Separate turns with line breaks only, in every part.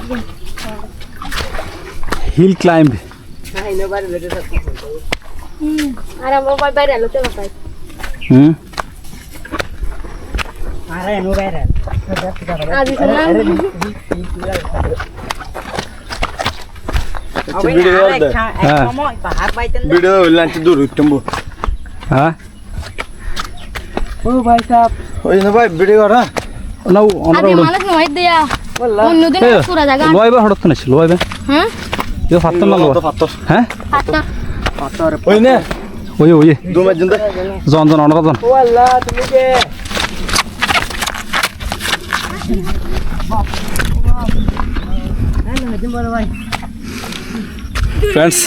Hill climb হ্যাঁ
ओ भाई साहब
ওই না ভাই ভিডিও করা
না অনরা উড়ো লয়বা হড়ত না ছিল লয়বা
হ্যাঁ
ইও ফাত্তর না লয়
পাত্তর
হ্যাঁ
পাতা
ওই না
ওই ওই
দুমার জন্য
জন জন অনরা জন
والله তুমি কে
ফ্রেন্ডস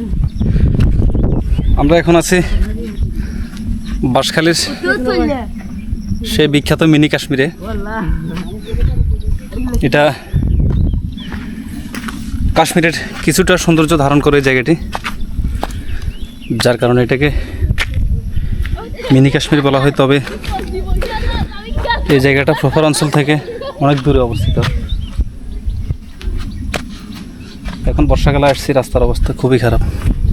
আমরা এখন আছি বাঁশখালীর সেই বিখ্যাত মিনি কাশ্মীরে। এটা কাশ্মীরের কিছুটা সৌন্দর্য ধারণ করে এই জায়গাটি, যার কারণে এটাকে মিনি কাশ্মীর বলা হয়। তবে এই জায়গাটা প্রপার অঞ্চল থেকে অনেক দূরে অবস্থিত। এখন বর্ষাকালে আসছি, রাস্তার অবস্থা খুবই খারাপ,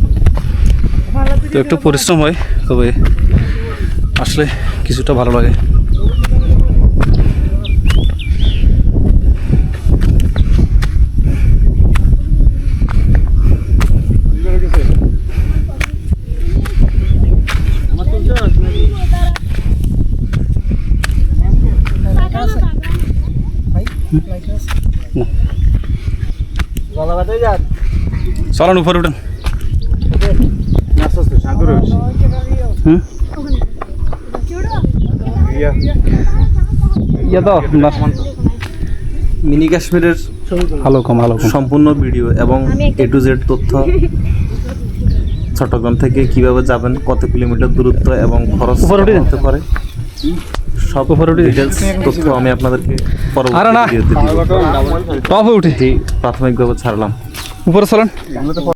তো একটু পরিশ্রম হয়, তবে আসলে কিছুটা ভালো লাগে। চলেন উপরে উঠেন।
মিনি কাশ্মীরের
ভালো কম
সম্পূর্ণ ভিডিও এবং A to Z তথ্য, চট্টগ্রাম থেকে কিভাবে যাবেন, কত কিলোমিটার দূরত্ব এবং খরচ হতে পারে, সব ডিটেলস তথ্য আমি আপনাদেরকে পরবর্তী ভিডিওতে দিব।
টপ উঠে
প্রাথমিকভাবে ছাড়লাম।
উপরে চলেন।